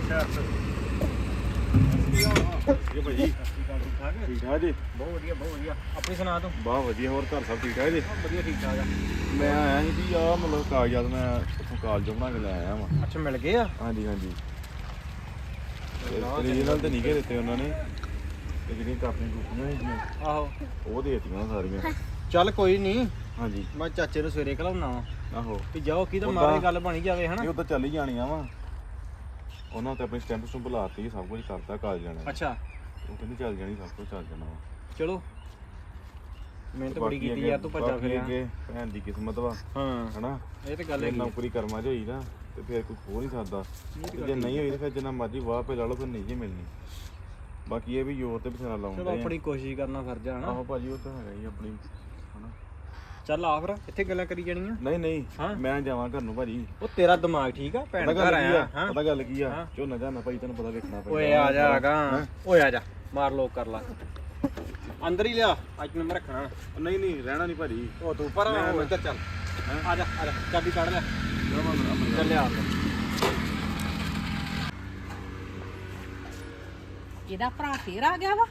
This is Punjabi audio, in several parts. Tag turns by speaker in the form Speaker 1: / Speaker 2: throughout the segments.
Speaker 1: ਇਹ ਭਾਜੀ ਠੀਕ ਠਾਕ ਜੀ?
Speaker 2: ਬਹੁਤ ਵਧੀਆ ਆਪਣੀ ਸੁਣਾ ਤੂੰ?
Speaker 1: ਬਹੁਤ ਵਧੀਆ। ਹੋਰ ਘਰ ਸਭ ਠੀਕ ਠਾਕ ਜੀ?
Speaker 2: ਵਧੀਆ ਠੀਕ ਠਾਕ ਆ।
Speaker 1: ਮੈਂ ਆਇਆ ਸੀ ਵੀ ਆਹ ਮਤਲਬ ਕਾਗਜ਼ਾਤ ਮੈਂ ਉੱਥੋਂ ਕਾਲਜੋਂ ਬਣਾ ਕੇ ਲੈ ਆਇਆ ਵਾਂ।
Speaker 2: ਅੱਛਾ ਮਿਲ ਗਏ ਆ?
Speaker 1: ਹਾਂਜੀ ਰੀਜਨਲ ਤੇ ਨਹੀਂ ਗੇ ਦਿੱਤੇ ਉਹਨਾਂ ਨੇ, ਤੇ ਜਿਹੜੀਆਂ ਕਾਪੀਆਂ ਕੂਪੀਆਂ ਸੀਗੀਆਂ
Speaker 2: ਆਹੋ
Speaker 1: ਉਹ ਦੇ ਦਿੱਤੀਆਂ ਸਾਰੀਆਂ।
Speaker 2: ਚੱਲ ਕੋਈ ਨਹੀਂ,
Speaker 1: ਹਾਂਜੀ
Speaker 2: ਮੈਂ ਚਾਚੇ ਨੂੰ ਸਵੇਰੇ ਘਲਾਉਣਾ ਵਾ।
Speaker 1: ਆਹੋ
Speaker 2: ਵੀ ਜਾਓ ਕੀ ਤਾਂ ਮਾਰੇ ਗੱਲ ਬਣੀ ਜਾਵੇ ਹਨਾ।
Speaker 1: ਇਹ ਉਦੋਂ ਚੱਲ ਹੀ ਜਾਣੀਆਂ ਵਾ। ਉਹਨਾਂ ਤੇ ਆਪਣੀ ਸਟੈਂਪ ਸਟੂੰਪ ਲਾਤੀ, ਸਭ ਕੁਝ ਕਰਤਾ ਕਾਲਜ ਜਾਣਾ।
Speaker 2: ਅੱਛਾ
Speaker 1: ਉਹ ਕਹਿੰਦੀ ਚੱਲ ਜਾਣੀ, ਸਭ ਕੁਝ ਚੱਲ ਜਾਣਾ ਵਾ।
Speaker 2: ਚਲੋ ਮਿਹਨਤ ਬੜੀ ਕੀਤੀ ਯਾਰ, ਤੂੰ ਭੱਜਾ ਫਿਰਿਆ।
Speaker 1: ਭੈਣ ਦੀ ਕਿਸਮਤ ਵਾ
Speaker 2: ਹਾਂ
Speaker 1: ਹਨਾ।
Speaker 2: ਇਹ ਤੇ ਗੱਲ ਹੈ।
Speaker 1: ਨੌਕਰੀ ਕਰਮਾਂ 'ਚ ਹੋਈ ਨਾ ਤੇ ਫਿਰ ਕੋਈ ਖੋ ਨਹੀਂ ਸਕਦਾ, ਤੇ ਜੇ ਨਹੀਂ ਹੋਈ ਤਾਂ ਫਿਰ ਜਿੰਨਾ ਮਰਜ਼ੀ ਵਾਹ ਪੇ ਲਾ ਲਓ, ਫਿਰ ਨਹੀਂ ਜੇ ਮਿਲਣੀ। ਬਾਕੀ ਇਹ ਵੀ ਜ਼ੋਰ ਤੇ ਬਥੇਰਾ ਲਾਉਂਦੇ
Speaker 2: ਚਲੋ ਆਪਣੀ ਕੋਸ਼ਿਸ਼ ਕਰਨਾ ਫਰਜ਼ ਆ ਹਨਾ।
Speaker 1: ਆਹੋ ਭਾਜੀ ਉਹ ਤਾਂ ਹੈਗਾ ਹੀ ਆਪਣੀ ਹਨਾ।
Speaker 2: ਚੱਲ ਆ ਫਿਰ, ਇੱਥੇ ਗੱਲਾਂ ਕਰੀ ਜਾਣੀਆਂ।
Speaker 1: ਨਹੀਂ
Speaker 2: ਹਾਂ
Speaker 1: ਮੈਂ ਜਾਵਾਂ ਘਰ ਨੂੰ ਭਾਜੀ।
Speaker 2: ਉਹ ਤੇਰਾ ਦਿਮਾਗ ਠੀਕ ਆ? ਭੈਣ ਘਰ ਆਇਆ ਹਾਂ।
Speaker 1: ਪਤਾ ਗੱਲ ਕੀ ਆ, ਝੋਨਾ ਝਾਨਾ ਭਾਈ ਤੈਨੂੰ ਪਤਾ ਵੇਖਣਾ ਪੈਂਦਾ।
Speaker 2: ਓਏ ਆ ਜਾ ਆਗਾ, ਓਏ ਆ ਜਾ, ਮਾਰ ਲੋਕ ਕਰ ਲਾ ਅੰਦਰ ਹੀ ਲਿਆ। ਅੱਜ ਮੈਂ ਰੱਖਣਾ
Speaker 1: ਨਹੀਂ ਰਹਿਣਾ ਨਹੀਂ ਭਾਜੀ।
Speaker 2: ਉਹ ਤੂੰ ਪਰ ਇੱਧਰ ਚੱਲ, ਆ ਜਾ ਚਾਬੀ ਕੱਢ ਲੈ, ਚੱਲਿਆ
Speaker 3: ਇਹਦਾ ਭਰਾ ਫੇਰ ਆ ਗਿਆ ਵਾ।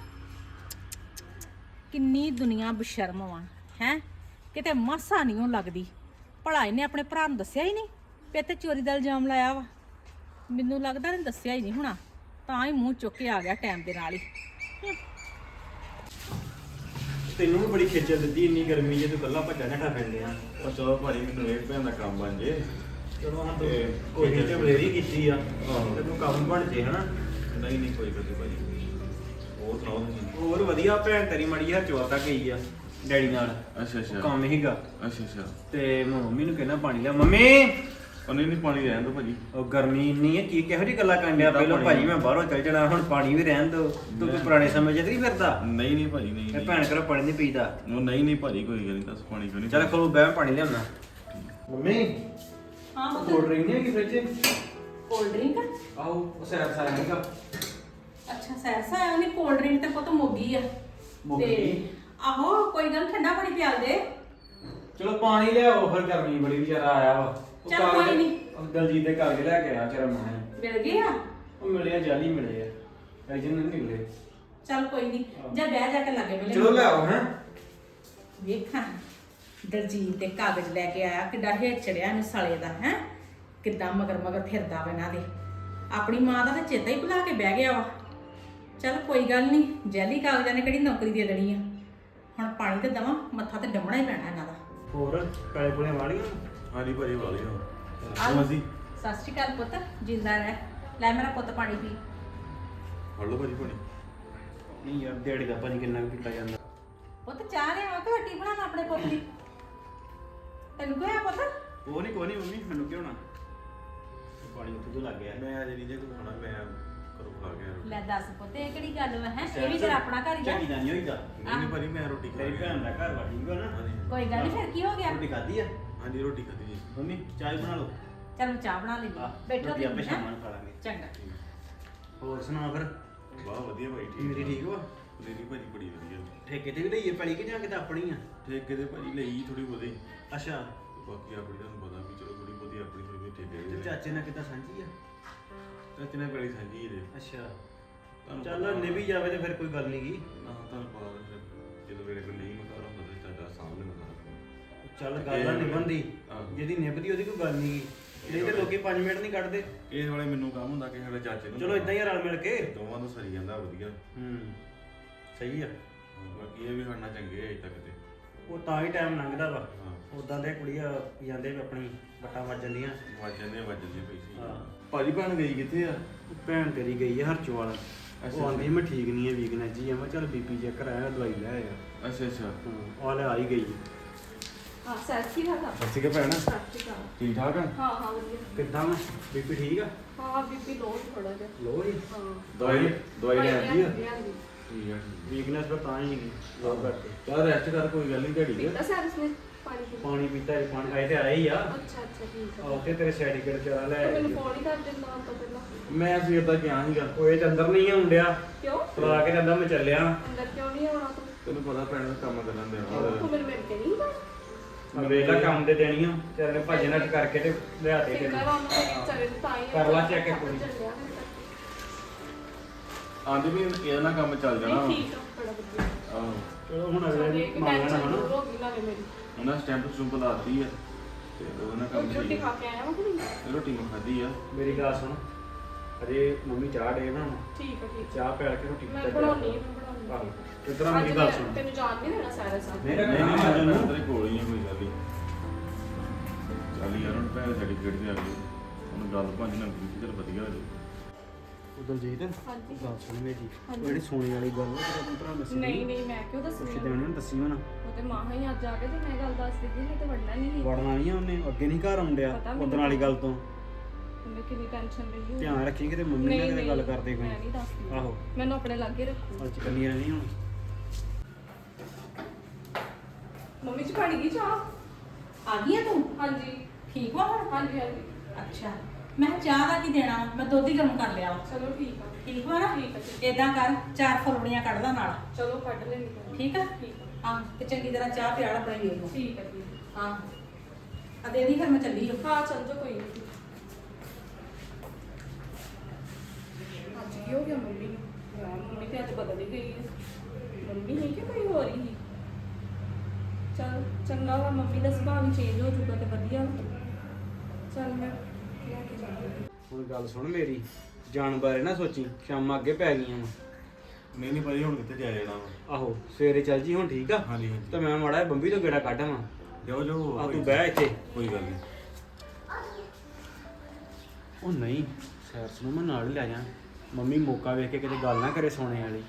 Speaker 3: ਕਿੰਨੀ ਦੁਨੀਆ ਬਸ਼ਰਮ ਵਾ ਹੈ, ਕਿਤੇ ਮਾਸਾ ਨਹੀਂ ਉਹ ਲੱਗਦੀ। ਭਲਾ ਇਹਨੇ ਆਪਣੇ ਭਰਾ ਨੂੰ ਦੱਸਿਆ ਹੀ ਨਹੀਂ ਵੀ ਤੇ ਚੋਰੀ ਦਾ ਇਲਜ਼ਾਮ ਲਾਇਆ ਵਾ। ਮੈਨੂੰ ਲੱਗਦਾ ਇਹਨੇ ਦੱਸਿਆ ਹੀ ਨਹੀਂ ਹੋਣਾ, ਤਾਂ ਹੀ ਮੂੰਹ ਚੁੱਕ ਕੇ ਆ ਗਿਆ ਟਾਈਮ ਦੇ ਨਾਲ ਹੀ।
Speaker 2: ਤੈਨੂੰ ਵੀ ਬੜੀ ਖੇਚਲ ਦਿੱਤੀ ਇੰਨੀ ਗਰਮੀ ਜੇ ਤੂੰ ਕੱਲਾ ਭੱਜਾ ਨੱਠਾ ਫਿਰਦੇ ਆ।
Speaker 1: ਉਹ ਚਲੋ ਭਾਜੀ ਮੈਨੂੰ ਇਹ ਭੈਣ ਦਾ ਕੰਮ ਬਣ ਜੇ।
Speaker 2: ਚਲੋ ਹਾਂ ਤੂੰ ਕੋਈ ਤੇ ਬਲੇਰੀ ਕੀਤੀ ਆ ਤੇ ਤੂੰ ਕੰਮ ਬਣ ਜੇ ਹਨਾ।
Speaker 1: ਨਹੀਂ ਕੋਈ ਗੱਲ ਭਾਜੀ। ਹੋਰ ਸੁਣਾਓ ਤੁਸੀਂ?
Speaker 2: ਹੋਰ ਵਧੀਆ। ਭੈਣ ਤੇਰੀ ਮੜੀ ਹਰ ਚੋਰ ਤੱਕ ਗਈ ਆ ਡੈਡੀ ਨਾਲ।
Speaker 1: ਅੱਛਾ
Speaker 2: ਕੰਮ ਹੀਗਾ
Speaker 1: ਅੱਛਾ
Speaker 2: ਤੇ ਮੰਮੀ ਨੂੰ ਕਹਿਣਾ ਪਾਣੀ ਲਿਆ। ਮੰਮੀ
Speaker 1: ਉਹ ਨਹੀਂ ਪਾਣੀ ਰਹਿਣ ਦੋ ਭਾਜੀ।
Speaker 2: ਉਹ ਗਰਮੀ ਇੰਨੀ ਹੈ ਕੀ ਕਿਹੋ ਜਿਹੀ ਗੱਲਾਂ ਕਰਨ ਡਿਆ। ਪਹਿਲਾਂ ਭਾਜੀ ਮੈਂ ਬਾਹਰੋਂ ਚੱਲ ਜਾਣਾ, ਹੁਣ ਪਾਣੀ ਵੀ ਰਹਿਣ ਦੋ। ਤੂੰ ਕੋਈ ਪੁਰਾਣੇ ਸਮੇਂ 'ਚ ਤਾਂ ਨਹੀਂ ਫਿਰਦਾ?
Speaker 1: ਨਹੀਂ ਭਾਜੀ ਨਹੀਂ।
Speaker 2: ਇਹ ਭੈਣ ਘਰੋਂ ਪਾਣੀ ਨਹੀਂ ਪੀਦਾ।
Speaker 1: ਉਹ ਨਹੀਂ ਭਾਜੀ ਕੋਈ ਗੱਲ ਨਹੀਂ, ਦੱਸ ਪਾਣੀ ਕਿਉਂ ਨਹੀਂ।
Speaker 2: ਚੱਲ ਖਲੋ ਬਹਿ, ਪਾਣੀ ਲਿਆਉਣਾ। ਮੰਮੀ
Speaker 3: ਹਾਂ
Speaker 2: ਕੋਲਡ ਡਰਿੰਕ ਨਹੀਂ ਹੈਗੀ ਫ੍ਰਿਜ 'ਚ?
Speaker 3: Cold drink?
Speaker 2: ਆਹੋ ਉਹ ਸੈਰ ਸਾਰਾ ਹੈਗਾ।
Speaker 3: ਅੱਛਾ ਸੈਰਸਾ ਆਇਆ ਉਹਨੇ ਕੋਲਡ ਡਰਿੰਕ ਤੇ ਪੁੱਤ ਮੋਗੀ ਆ। ਤੇ ਆਹੋ ਕੋਈ ਗੱਲ, ਠੰਡਾ ਪਾਣੀ ਪਿਆਲ ਦੇ।
Speaker 2: ਚਲੋ ਪਾਣੀ ਲਿਆਓ ਫਿਰ, ਗਰਮੀ ਬੜੀ ਵਿਚਾਰਾ ਆਇਆ ਵਾ। ਉਹ
Speaker 3: ਚੱਲ ਕੋਈ ਨੀ।
Speaker 2: ਉਹ ਦਲਜੀਤ ਦੇ ਘਰ ਲੈ ਕੇ ਆਇਆ ਚਿਹਰਾ ਮੈਂ।
Speaker 3: ਮਿਲ ਗਏ ਆ?
Speaker 2: ਉਹ ਮਿਲੇ ਜਾਲੀ ਮਿਲੇ ਆ, ਐਜਨ ਨਹੀਂ ਮਿਲੇ।
Speaker 3: ਚੱਲ ਕੋਈ ਨਹੀਂ, ਜਾ ਬਹਿ ਜਾ ਕੇ ਲਾਗੇ ਮਿਲੇ।
Speaker 2: ਚਲੋ ਲਿਆਓ ਹੈ।
Speaker 3: ਵੇਖਾਂ ਦਲਜੀਤ ਦੇ ਕਾਗਜ਼ ਲੈ ਕੇ ਆਇਆ, ਕਿੱਡਾ ਹੇਠ ਚੜਿਆ ਇਹਨੂੰ ਸਾਲੇ ਦਾ ਹੈ, ਕਿੱਦਾਂ ਮਗਰ ਫਿਰਦਾ ਵਾ ਇਹਨਾਂ ਦੇ। ਆਪਣੀ ਮਾਂ ਦਾ ਤਾਂ ਚੇਤਾ ਹੀ ਭੁਲਾ ਕੇ ਬਹਿ ਗਿਆ ਵਾ। ਚੱਲ ਕੋਈ ਗੱਲ ਨਹੀਂ, ਜੈਲੀ ਕਾਗਜ਼ਾਂ ਨੇ ਕਿਹੜੀ ਨੌਕਰੀ ਦੇ ਦੇਣੀ ਆ। ਹੁਣ ਪਾਣੀ ਤੇ ਦਵਾਂ, ਮੱਥਾ ਤੇ ਡੰਮਣਾ ਹੀ ਪੈਣਾ ਇਹਨਾਂ ਦਾ।
Speaker 2: ਹੋਰ ਕਾਲੇ ਪੁਲੇ ਵਾਲੀਆਂ?
Speaker 1: ਹਾਂਜੀ ਭਾਜੀ ਵਾਲੀ ਹੋ।
Speaker 3: ਆਹ ਸਤਿ ਸ਼੍ਰੀ ਅਕਾਲ ਪੁੱਤ, ਜਿੰਦਾ ਰਹਿ। ਲੈ ਮੇਰਾ ਪੁੱਤ ਪਾਣੀ ਪੀ।
Speaker 1: ਫੜ ਲਓ ਭਾਜੀ ਪਾਣੀ।
Speaker 2: ਨਹੀਂ ਯਾਰ ਦਿਹਾੜੀ ਦਾ ਪਾਣੀ ਕਿੰਨਾ ਕੁ ਪੀਤਾ ਜਾਂਦਾ।
Speaker 3: ਪੁੱਤ ਚਾਹ ਲਿਆਵਾਂ ਕਿ ਰੋਟੀ ਬਣਾਵਾਂ ਆਪਣੇ ਪੁੱਤ ਦੀ? ਤੈਨੂੰ ਕਿਹਾ ਪੁੱਤ?
Speaker 2: ਉਹ ਨਹੀਂ ਕੋਈ ਨਹੀਂ ਮੰਮੀ, ਮੈਨੂੰ ਕਿਉਂ ਨਾ ਪਾਣੀ ਉੱਥੇ ਤੋਂ ਲੱਗ ਗਿਆ।
Speaker 1: ਮੈਂ ਅਜੇ ਨਹੀਂ ਜੇ ਕੋਈ ਖਾਣਾ, ਮੈਂ ਘਰੋਂ ਖਾ ਗਿਆ।
Speaker 3: ਲੈ ਦੱਸ ਪੁੱਤ, ਇਹ ਕਿਹੜੀ ਗੱਲ ਵਾ ਹੈ? ਇਹ ਵੀ ਤੇਰਾ ਆਪਣਾ ਘਰ ਹੀ ਆ।
Speaker 2: ਚੰਗੀ ਤਾਂ ਨਹੀਂ ਹੋਈਦਾ।
Speaker 1: ਨਹੀਂ ਭਾਜੀ ਮੈਂ ਰੋਟੀ ਖਾ
Speaker 2: ਤੇਰੀ
Speaker 1: ਗਿਆ।
Speaker 2: ਭੈਣ ਦਾ ਘਰ ਵਾ, ਠੀਕ ਹੋ ਨਾ?
Speaker 3: ਕੋਈ ਗੱਲ ਨਹੀਂ, ਫਿਰ ਕੀ ਹੋ ਗਿਆ?
Speaker 2: ਰੋਟੀ ਖਾਧੀ ਆ?
Speaker 1: ਹਾਂਜੀ ਰੋਟੀ ਖਾਧੀ ਜੀ।
Speaker 2: ਮੰਮੀ ਚਾਹ ਬਣਾ ਲਓ।
Speaker 3: ਚੱਲ ਮੈਂ ਚਾਹ ਬਣਾ ਲਈ। ਬੈਠੋ
Speaker 2: ਰੋਟੀ ਆਪੇ
Speaker 3: ਤੁਸੀਂ,
Speaker 2: ਸ਼ਾਮਾਂ
Speaker 3: ਹੈਂ?
Speaker 2: ਨੂੰ ਖਾ ਲਾਂਗੇ।
Speaker 3: ਚੰਗਾ।
Speaker 2: ਹੋਰ ਸੁਣਾ ਫਿਰ?
Speaker 1: ਵਾਹ ਵਧੀਆ ਭਾਈ ਠੀਕ।
Speaker 2: ਮੇਰੀ ਠੀਕ ਵਾ?
Speaker 1: ਮੇਰੀ ਭਾਜੀ ਬੜੀ ਵਧੀਆ।
Speaker 2: ਠੇਕੇ ਤੇ ਵੀ ਲਈਏ ਪੈਲੀ ਕਿ ਜਾਂ ਕਿਤੇ ਆਪਣੀ ਆ?
Speaker 1: ਠੇਕੇ ਦੇ ਭਾਜੀ ਲਈ ਥੋੜੀ ਬਹੁਤੀ,
Speaker 2: ਅੱਛਾ।
Speaker 1: ਬਾਕੀ ਆਪਣੀ ਤੁਹਾਨੂੰ ਪਤਾ ਵੀ ਚਲੋ ਥੋੜੀ ਬਹੁਤੀ ਆਪਣੀ ਥੋੜੀ ਬਹੁਤੀ ਠੇਕੇ
Speaker 2: ਤੇ
Speaker 1: ਦੇ।
Speaker 2: ਚਾਚੇ ਨਾਲ ਕਿਤਾ ਸਾਂਝੀ ਆ?
Speaker 1: ਚਾਚੇ ਨੇ ਪੈਲੀ ਸਾਂਝੀ ਇਹਦੇ।
Speaker 2: ਅੱਛਾ।
Speaker 1: ਤੁਹਾਨੂੰ
Speaker 2: ਚੱਲ
Speaker 1: ਪਤਾ
Speaker 2: ਨਿਭੀ ਜਾਵੇ ਤੇ ਫਿਰ ਕੋਈ ਗੱਲ ਨਹੀਂ ਗੀ।
Speaker 1: ਨਾ ਤੁਹਾਨੂੰ ਪਤਾ ਫਿਰ ਜਦੋਂ ਮੇਰੇ ਕੋਲ ਨਹੀਂ ਮਕਾਰਾ ਹੁੰਦਾ ਤਾਂ ਚਾਚਾ ਸਾਹਮਣੇ ਮਕਾਰਾ।
Speaker 2: ਚੱਲ ਗੱਲ ਨਾ ਨਿਭਣਦੀ,
Speaker 1: ਆਹੋ।
Speaker 2: ਜਿਹਦੀ ਨਿਭਦੀ ਉਹਦੀ ਕੋਈ ਗੱਲ ਨਹੀਂ ਗੀ। ਨਹੀਂ ਤੇ ਲੋਕੀ 5 ਮਿੰਟ ਨਹੀਂ ਕੱਢਦੇ।
Speaker 1: ਇਹ ਵਾਲੇ ਮੈਨੂੰ ਕੰਮ ਹੁੰਦਾ ਕਿ ਸਾਡੇ ਚਾਚੇ ਨੂੰ
Speaker 2: ਚਲੋ ਇਦਾਂ ਹੀ ਰਲ ਮਿਲ ਕੇ।
Speaker 1: ਦੋਵਾਂ ਨੂੰ ਸਰੀ ਜਾਂਦਾ ਵਧੀਆ।
Speaker 2: ਸਹੀ ਆ।
Speaker 1: ਬਾਕੀ ਇਹ ਵੀ ਖੜਨਾ ਚੰਗੇ ਅਜੇ ਤੱਕ ਤੇ।
Speaker 2: ਉਹ ਤਾਂ ਹੀ ਟਾਈਮ ਲੰਘਦਾ ਵਾ।
Speaker 1: ਹਾਂ
Speaker 2: ਉਦਾਂ ਦੇ ਕੁੜੀਆਂ ਜਾਂਦੇ ਵੀ ਆਪਣੀ ਵੱਟਾਂ ਵੱਜ ਜਾਂਦੀਆਂ।
Speaker 1: ਵੱਜ ਜਾਂਦੇ ਪੈਸੇ।
Speaker 2: ਹਾਂ।
Speaker 1: ਭਾਜੀ ਭੈਣ ਗਈ ਕਿੱਥੇ ਆ?
Speaker 2: ਭੈਣ ਤੇਰੀ ਗਈ ਹੈ ਹਰਚੋਵਾਲ। ਉਹ ਆਂਦੀ ਮੈਂ ਠੀਕ ਨਹੀਂ ਹੈ, ਵੀਕਨੈਸ ਜੀ ਆ। ਮੈਂ ਚੱਲ ਬੀਪੀ ਚੈੱਕ ਕਰਾਇਆ, ਦਵਾਈ ਲੈ ਆਇਆ।
Speaker 1: ਅੱਛਾ
Speaker 2: ਆ ਲੈ ਆਈ ਗਈ।
Speaker 3: ਹਾਂ ਸਤਿ ਸ਼੍ਰੀ ਅਕਾਲ।
Speaker 1: ਸਤਿ ਸ਼੍ਰੀ ਅਕਾਲ ਭੈਣ।
Speaker 3: ਸਤਿ ਸ਼੍ਰੀ ਅਕਾਲ।
Speaker 1: ਠੀਕ ਠਾਕ ਆ?
Speaker 3: ਹਾਂ ਵਧੀਆ।
Speaker 2: ਕਿੱਦਾਂ ਮੈਂ ਬੀਪੀ ਠੀਕ ਆ?
Speaker 3: ਹਾਂ ਬੀਬੀ ਲੋ ਥੋੜਾ ਜਿਹਾ।
Speaker 2: ਲੋ ਜੀ।
Speaker 3: ਹਾਂ
Speaker 1: ਦਵਾਈ ਲੈ ਆਂਦੀ ਆ?
Speaker 3: ਲਿਆਂਦੀ।
Speaker 1: ਠੀਕ ਆ।
Speaker 2: ਵੀਕਨੈਸ ਤਾਂ ਤਾਂ ਹੀ ਨਹੀਂ ਲੋ ਕਰਕੇ।
Speaker 1: ਚੱਲ ਰੈਸਟ ਕਰ, ਕੋਈ ਗੱਲ ਨਹੀਂ ਢੜੀ ਦੇ।
Speaker 3: ਪੀਤਾ ਸਾਰਸ ਨੇ ਪਾਣੀ ਪੀ।
Speaker 2: ਪਾਣੀ ਪੀਤਾ ਹੈ, ਪਾਣੀ ਆਏ ਤੇ ਆਏ ਹੀ ਆ।
Speaker 3: ਅੱਛਾ ਠੀਕ
Speaker 2: ਆ ਉੱਥੇ ਤੇਰੇ ਸਰਟੀਫਿਕੇਟ ਚਰਾ ਲੈ ਆਏ।
Speaker 3: ਮੈਨੂੰ ਫੋਨ ਹੀ ਕਰ ਦਿੰਦਾ ਹਾਂ ਤੋਂ ਪਹਿਲਾਂ।
Speaker 1: ਮੈਂ ਸਵੇਰ ਦਾ ਗਿਆ ਸੀਗਾ।
Speaker 2: ਉਹ ਇਹ ਤੇ ਅੰਦਰ ਨਹੀਂ ਆਉਂਦਿਆ।
Speaker 3: ਕਿਉਂ?
Speaker 2: ਬੁਲਾ ਕੇ ਜਾਂਦਾ ਮੈਂ ਚੱਲਿਆ।
Speaker 3: ਅੰਦਰ ਕਿਉਂ ਨਹੀਂ ਆਉਣਾ ਤੂੰ?
Speaker 1: ਤੈਨੂੰ ਪਤਾ ਭੈਣ ਦਾ ਕੰਮ ਕਰਨ ਦੇ
Speaker 3: ਤੂੰ ਮੈਨੂੰ ਮਿਲ ਕੇ ਨਹੀਂ ਬਸ।
Speaker 2: ਵੇਲਾ ਕੰਮ ਦੇ ਦੇਣੀਆਂ ਤੇਰੇ ਨੇ ਭੱਜ ਨੱਠ ਕਰਕੇ ਤੇ ਲਿਆ ਦੇ
Speaker 3: ਫਿਕਰ
Speaker 2: ਤੈਨੂੰ।
Speaker 3: ਉਹਨਾਂ ਦੇ ਵਿਚਾਰੇ ਨੂੰ ਤਾਂ ਹੀ
Speaker 2: ਕਰ ਲਾ check ਇੱਕ ਵਾਰੀ।
Speaker 1: ਆਂਦੇ ਵੀ ਇਹਦਾ ਨਾਲ ਕੰਮ ਚੱਲ ਜਾਣਾ ਵਾ।
Speaker 4: ਠੀਕ ਆ ਬੜਾ ਵਧੀਆ
Speaker 1: ਆਹੋ
Speaker 5: ਚਲੋ ਹੁਣ ਅਗਲੇ
Speaker 4: ਇੱਕ
Speaker 5: ਮੰਗਣਾ
Speaker 4: ਟੈਨਸ਼ਨ
Speaker 5: ਨਾ
Speaker 4: ਦੂਰ ਹੋ ਗਈ ਨਾਲੇ ਮੇਰੀ
Speaker 1: ਉਹਨਾਂ ਸਟੈਂਪ ਸਟੂੰਪ ਲਾਤੀ ਆ ਤੇ ਉਹਦੇ ਨਾਲ ਕੰਮ
Speaker 4: ਰੋਟੀ
Speaker 1: ਠੀਕ
Speaker 4: ਖਾ ਕੇ ਆਇਆ ਵਾ ਕਿ ਨਹੀਂ
Speaker 1: ਰੋਟੀ ਮੈਂ ਖਾਧੀ ਆ।
Speaker 5: ਮੇਰੀ ਗੱਲ ਸੁਣ ਅਜੇ ਮੰਮੀ ਚਾਹ ਡੇ ਬਣਾਉਣ
Speaker 4: ਠੀਕ ਆ ਠੀਕ
Speaker 5: ਚਾਹ ਪਿਆਲ ਕੇ ਰੋਟੀ
Speaker 4: ਮੈਂ
Speaker 5: ਤੇ
Speaker 4: ਬਣਾਉਣੀ
Speaker 5: ਆਹੋ ਇਤਨਾ ਮੇਰੀ ਗੱਲ ਸੁਣ
Speaker 4: ਤੈਨੂੰ ਜਾਣ ਨਹੀਂ ਦੇਣਾ ਸਾਰਾ ਸਾਹ
Speaker 5: ਨਹੀਂ,
Speaker 1: ਮੈਂ ਤੇਰੇ ਕੋਲ ਹੀ ਆ ਕੋਈ ਗੱਲ ਨਹੀਂ। ਚੱਲ ਯਾਰ ਹੁਣ ਭੈਣ ਸਰਟੀਫਿਕੇਟ ਤੇ ਆ ਗਈ ਹੁਣ ਗੱਲ ਭਾਂਜ ਨਾਲ ਕੀਤੀ ਚਲ ਵਧੀਆ ਹੋ ਜਾਊ।
Speaker 5: ਉਹ ਦਲਜੀਤ
Speaker 4: ਹਾਂਜੀ
Speaker 5: ਗੱਲ ਸੁਣ ਮੇਰੀ
Speaker 4: ਹਾਂਜੀ।
Speaker 5: ਉਹ ਜਿਹੜੀ ਸੋਨੇ ਵਾਲੀ ਗੱਲ ਉਹ ਤੇਰਾ ਭਰਾ ਦੱਸੀ
Speaker 4: ਨਹੀਂ ਨਹੀਂ ਮੈਂ ਕਿਉਂ ਦੱਸਣੀ
Speaker 5: ਪੁੱਛ ਦੇਣੀ ਉਹਨੂੰ ਦੱਸੀ ਹੋਣਾ
Speaker 4: ਉਹ ਤੇ ਮਾਂ ਹੀ ਅੱਜ ਆ ਕੇ ਤੇ ਮੈਂ ਗੱਲ ਦੱਸ ਦਿੱਤੀ ਨਹੀਂ ਤੇ ਵੜਨਾ ਨਹੀਂ ਸੀ
Speaker 5: ਵੜਨਾ ਨਹੀਂ ਆ ਉਹਨੇ ਅੱਗੇ ਨਹੀਂ ਘਰ ਆਉਂਦਿਆ
Speaker 4: ਪਤਾ ਮੈਨੂੰ।
Speaker 5: ਉਦੋਂ ਵਾਲੀ ਗੱਲ ਤੋਂ
Speaker 4: ਉਹਨੇ ਕਿੰਨੀ ਟੈਨਸ਼ਨ ਲਈ ਹੋਈ।
Speaker 5: ਧਿਆਨ ਰੱਖੀ ਕਿਤੇ ਮੰਮੀ ਨਾਲ ਕਿਤੇ ਗੱਲ ਕਰਦੇ
Speaker 4: ਮੈਂ ਨਹੀਂ
Speaker 5: ਕੋਈ
Speaker 4: ਦੱਸਦੀ
Speaker 5: ਆਹੋ
Speaker 4: ਮੈਨੂੰ ਆਪਣੇ ਲਾਗੇ ਰੱਖੂ
Speaker 5: ਅੱਜ ਕੰਨੀ ਰਹਿਣੀ ਹੁਣ
Speaker 4: ਮੰਮੀ ਜੀ ਬਣ ਗਈ ਚਾਹ
Speaker 3: ਆ ਗਈ ਆ ਤੂੰ
Speaker 4: ਹਾਂਜੀ
Speaker 3: ਠੀਕ ਵਾ ਹੁਣ
Speaker 4: ਹਾਂਜੀ ਹਾਂਜੀ
Speaker 3: ਅੱਛਾ ਮੈਂ ਕਿਹਾ ਚਾਹ ਦਾ ਕੀ ਦੇਣਾ ਵਾ? ਮੈਂ ਦੁੱਧ ਹੀ ਗਰਮ ਕਰ ਲਿਆ ਵਾ।
Speaker 4: ਚਲੋ ਠੀਕ ਆ
Speaker 3: ਠੀਕ ਵਾ ਨਾ
Speaker 4: ਠੀਕ ਆ, ਠੀਕ।
Speaker 3: ਏਦਾਂ ਕਰ 4 ਫੁਲਵੜੀਆਂ ਕੱਢ ਦਾ ਨਾਲ
Speaker 4: ਚਲੋ ਕੱਢ ਲੈਣੀ
Speaker 3: ਠੀਕ ਆ
Speaker 4: ਠੀਕ ਆ
Speaker 3: ਹਾਂ ਤੇ ਚੰਗੀ ਤਰ੍ਹਾਂ ਚਾਹ ਪਿਆਲ ਬਣਾਈ ਉਹਨੂੰ
Speaker 4: ਠੀਕ ਆ ਠੀਕ
Speaker 3: ਹਾਂ ਆ ਦੇ ਦੀ ਫਿਰ ਮੈਂ ਚੱਲੀ ਹਾਂ
Speaker 4: ਆ। ਹਾਂ ਚੱਲ ਜਾ ਕੋਈ ਨਹੀਂ ਅੱਜ ਕੀ ਹੋ ਗਿਆ ਮੰਮੀ ਨੂੰ ਯਾਰ ਮੰਮੀ ਤੇ ਅੱਜ ਬਦਲ ਹੀ ਗਈ ਹੈ ਮੰਮੀ ਹੈ ਕਿ ਕੋਈ ਹੋਰ ਹੀ ਚਲ ਚੰਗਾ ਵਾ ਮੰਮੀ ਦਾ ਸੁਭਾਅ ਵੀ ਚੇਂਜ ਹੋ ਚੁੱਕਾ ਤੇ ਵਧੀਆ ਚਲ ਮੈਂ ਲੈ ਕੇ ਜਾਂਦੀ
Speaker 5: ਹੁਣ ਗੱਲ ਸੁਣ ਮੇਰੀ ਜਾਣ ਬਾਰੇ ਨਾ ਸੋਚੀ ਸ਼ਾਮਾਂ ਅੱਗੇ ਪੈ ਗਈਆਂ ਵਾ
Speaker 1: ਨਹੀਂ ਨਹੀਂ ਭਾਈ ਹੁਣ ਕਿੱਥੇ ਜਾ ਜਾਣਾ ਵਾ।
Speaker 5: ਆਹੋ ਸਵੇਰੇ ਚੱਲ ਜੀ ਹੁਣ ਠੀਕ ਆ
Speaker 1: ਹਾਂਜੀ ਹਾਂਜੀ
Speaker 5: ਤੇ ਮੈਂ ਮਾੜਾ ਜਿਹਾ ਬੰਬੀ ਤੋਂ ਗੇੜਾ ਕੱਢਾਂ
Speaker 1: ਜਾਓ ਜਾਓ
Speaker 5: ਆ ਤੂੰ ਬਹਿ ਇੱਥੇ
Speaker 1: ਕੋਈ ਗੱਲ ਨਹੀਂ।
Speaker 5: ਉਹ ਨਹੀਂ ਸੈਰਸ ਨੂੰ ਮੈਂ ਨਾਲ ਹੀ ਲੈ ਜਾ ਮੰਮੀ ਮੌਕਾ ਵੇਖ ਕੇ ਕਿਤੇ ਗੱਲ ਨਾ ਕਰੇ ਸੋਨੇ ਵਾਲੀ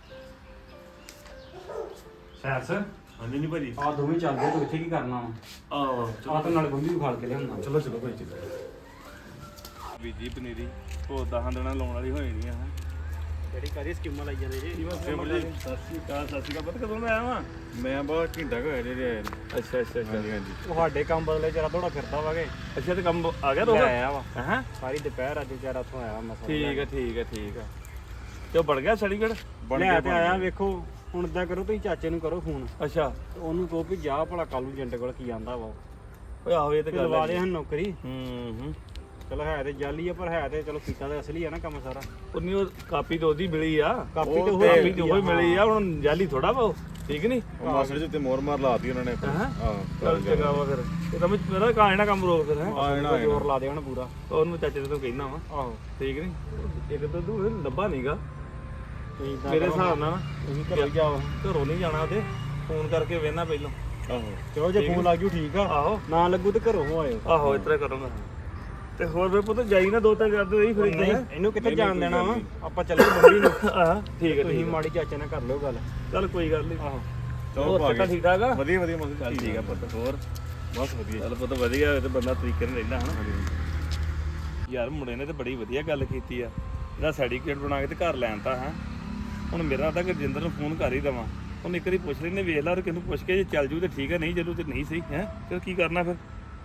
Speaker 5: ਸੈਰਸ
Speaker 1: ਹਾਂਜੀ ਨਹੀਂ ਭਾਜੀ
Speaker 5: ਆ ਦੋਵੇਂ ਚੱਲਦੇ ਤੂੰ ਇੱਥੇ ਕੀ ਕਰਨਾ ਵਾ
Speaker 1: ਆਹ
Speaker 5: ਆ ਤਾਂ ਨਾਲ ਬੰਬੀ ਵਿਖਾਲ ਕੇ ਲਿਆਉਣਾ
Speaker 1: ਚਲੋ ਚਲੋ ਭਾਈ ਚਲੋ ਬੀਜੀ ਪਨੀਰੀ ਉਹ 10 ਦਿਨਾਂ ਲਾਉਣ ਵਾਲੀ ਹੋਈ ਨਹੀਂ ਆ।
Speaker 5: ਜਿਹੜੀ ਕਾਰੀ ਸਕੀਮਾਂ ਲਾਈ ਜਾਂਦੇ ਜੀ
Speaker 1: ਸਿਮਰ ਜੀ ਸਤਿ ਸ਼੍ਰੀ ਅਕਾਲ ਪਤਾ ਕਦੋਂ ਮੈਂ ਆਇਆ ਵਾਂ ਮੈਂ ਬਹੁਤ ਘੰਟਾ ਕੁ ਹੋਇਆ ਜੇ ਆਇਆ ਨੂੰ।
Speaker 2: ਅੱਛਾ ਅੱਛਾ
Speaker 1: ਹਾਂਜੀ ਹਾਂਜੀ
Speaker 5: ਤੁਹਾਡੇ ਕੰਮ ਬਦਲੇ ਜਰਾ ਥੋੜਾ ਫਿਰਦਾ ਵਾਗੇ
Speaker 2: ਅੱਛਾ ਤੇ ਕੰਮ ਆ ਗਿਆ
Speaker 5: ਲੈ
Speaker 2: ਰੋਗਾ
Speaker 5: ਆਇਆ ਵਾ
Speaker 2: ਹਾਂ
Speaker 5: ਸਾਰੀ ਦੁਪਹਿਰ ਅੱਜ ਵਿਚਾਰਾ ਉੱਥੋਂ ਆਇਆ ਮਸਾ
Speaker 2: ਠੀਕ ਹੈ ਠੀਕ ਹੈ ਠੀਕ ਹੈ ਤੇ ਉਹ ਬਣ ਗਿਆ ਸਰਟੀਫਿਕੇਟ
Speaker 5: ਲੈ ਤੇ ਆਇਆ ਵੇਖੋ ਹੁਣ ਇਦਾਂ ਕਰੋ ਤੁਸੀਂ ਚਾਚੇ ਨੂੰ ਕਰੋ ਫੋਨ
Speaker 2: ਅੱਛਾ
Speaker 5: ਤੇ ਉਹਨੂੰ ਕਹੋ ਵੀ ਜਾ ਭਲਾ ਕੱਲ ਨੂੰ ਏਜੰਟ ਕੋਲ ਕੀ ਆਂਦਾ ਵਾ
Speaker 2: ਓਏ ਆਹੋ ਇਹ ਤੇ ਗੱਲ
Speaker 5: ਲਵਾ
Speaker 2: ਹੈ
Speaker 5: ਦੇ ਹਨ ਨੌਕਰੀ
Speaker 2: ਹੂੰ
Speaker 5: ਚਲੋ ਹੈ ਤੇ ਜਾਲੀ ਆ ਪਰ ਹੈ ਤੇ ਚਲੋ ਕੀਤਾ ਤੇ ਅਸਲੀ ਆ ਨਾ ਕੰਮ ਸਾਰਾ
Speaker 2: ਉਨੀ ਉਹ ਕਾਪੀ ਤਾਂ ਉਹਦੀ ਮਿਲੀ ਆ
Speaker 5: ਕਾਪੀ
Speaker 2: ਉਹ
Speaker 5: ਤੇ ਉਹ
Speaker 2: ਕਾਪੀ
Speaker 5: ਮਿਲੀ
Speaker 2: ਤੇ ਉਹ ਮਿਲੀ ਆ ਹੁਣ ਜਾਲੀ ਥੋੜਾ ਵਾ ਉਹ, ਠੀਕ ਨਹੀਂ
Speaker 1: ਉਹ ਮਾਸੜ ਜੀ ਤੇ ਮੋਰ ਮਾਰ ਲਾਤੀ ਉਹਨਾਂ ਨੇ
Speaker 2: ਹਾਂ
Speaker 1: ਹਾਂ
Speaker 2: ਚੱਲ ਚੰਗਾ ਵਾ ਫਿਰ ਇਹ ਤਾਂ ਮੇਰਾ ਕਾਹਨਾ ਕੰਮ ਰੋਕ ਫਿਰ ਹੈ
Speaker 1: ਆ ਜਾਣਾ
Speaker 5: ਜ਼ੋਰ ਲਾ ਦੇ ਹੁਣ ਪੂਰਾ
Speaker 2: ਉਹਨੂੰ ਚਾਚੇ ਤੋਂ ਕਹਿਣਾ ਵਾ
Speaker 5: ਆਹੋ
Speaker 2: ਠੀਕ ਨਹੀਂ ਇੱਕ ਤਾਂ ਤੂੰ ਲੱਭਾ ਨਹੀਂਗਾ
Speaker 5: ਤੁਸੀਂ ਏਦਾਂ
Speaker 2: ਮੇਰੇ
Speaker 5: ਕਰੋ,
Speaker 2: ਹਿਸਾਬ ਨਾਲ ਨਾ
Speaker 5: ਤੁਸੀਂ ਘਰੋਂ ਜਾਓ
Speaker 2: ਘਰੋਂ ਨਹੀਂ ਜਾਣਾ ਤੇ ਫੋਨ ਕਰਕੇ ਵੇਖਣਾ ਪਹਿਲਾਂ
Speaker 1: ਆਹੋ
Speaker 5: ਚਲੋ ਜੇ ਫੋਨ ਲੱਗ ਜੂ ਠੀਕ ਆ
Speaker 2: ਆਹੋ
Speaker 5: ਨਾ ਲੱਗੂ ਤੇ ਘਰੋਂ ਹੋ ਆਇਓ
Speaker 2: ਆਹੋ ਇਸ ਤਰ੍ਹਾਂ ਕਰੂੰਗਾ ਤੇ ਹੋਰ ਫਿਰ ਪੁੱਤ ਜਾਈ ਨਾ ਦੋ ਤਿੰਨ ਕਰਦੇ ਰਹੀ ਫਿਰ
Speaker 5: ਨਹੀਂ
Speaker 2: ਇਦਾਂ
Speaker 5: ਇਹਨੂੰ ਕਿੱਥੇ
Speaker 1: ਨਹੀਂ,
Speaker 5: ਜਾਣ
Speaker 1: ਕੋਈ
Speaker 5: ਦੇਣਾ
Speaker 1: ਗੱਲ
Speaker 5: ਵਾ
Speaker 1: ਨਹੀਂ।
Speaker 5: ਆਪਾਂ ਚੱਲੇ ਬੰਬੀ ਨੂੰ
Speaker 2: ਹਾਂ ਠੀਕ ਹੈ
Speaker 5: ਤੁਸੀਂ
Speaker 2: ਠੀਕ ਹੈ
Speaker 5: ਮਾੜੀ ਚਾਚੇ ਨਾਲ ਕਰ ਲਿਓ ਗੱਲ
Speaker 2: ਚੱਲ ਕੋਈ ਗੱਲ ਨਹੀਂ
Speaker 5: ਆਹੋ
Speaker 1: ਚਲੋ
Speaker 2: ਹੋਰ
Speaker 1: ਭਾਗੇ
Speaker 2: ਤਾਂ ਠੀਕ ਠਾਕ ਆ
Speaker 1: ਵਧੀਆ ਵਧੀਆ ਮਸਲ
Speaker 2: ਚੱਲ ਠੀਕ ਆ ਪੁੱਤ ਹੋਰ
Speaker 1: ਬਸ ਵਧੀਆ
Speaker 2: ਚੱਲ ਪੁੱਤ ਵਧੀਆ ਹੋਵੇ ਤੇ ਬੰਦਾ ਤਰੀਕੇ ਨਾਲ ਰਹਿੰਦਾ ਹਨਾ ਯਾਰ ਮੁੰਡੇ ਨੇ ਤੇ ਬੜੀ ਵਧੀਆ ਗੱਲ ਕੀਤੀ ਆ ਇਹਦਾ ਸਰਟੀਫਿਕੇਟ ਬਣਾ ਕੇ ਤੇ ਘਰ ਲੈਣ ਤਾ ਹੈ ਹੁਣ ਮੇਰਾ ਤਾਂ ਗੁਰਜਿੰਦਰ ਨੂੰ ਫੋਨ ਕਰ ਹੀ ਦਵਾਂ ਉਹਨੇ ਇੱਕ ਵਾਰੀ ਪੁੱਛ ਲੈਨੇ ਵੇਖ ਲਾ ਔਰ ਕਿਹਨੂੰ ਪੁੱਛ ਕੇ ਜੇ ਚੱਲ ਜੂ ਤੇ ਠੀਕ ਹੈ ਨਹੀਂ ਚੱਲੂ ਤੇ ਨਹੀਂ ਸਹੀ ਹੈ ਫਿਰ ਕੀ ਕਰਨਾ ਫਿਰ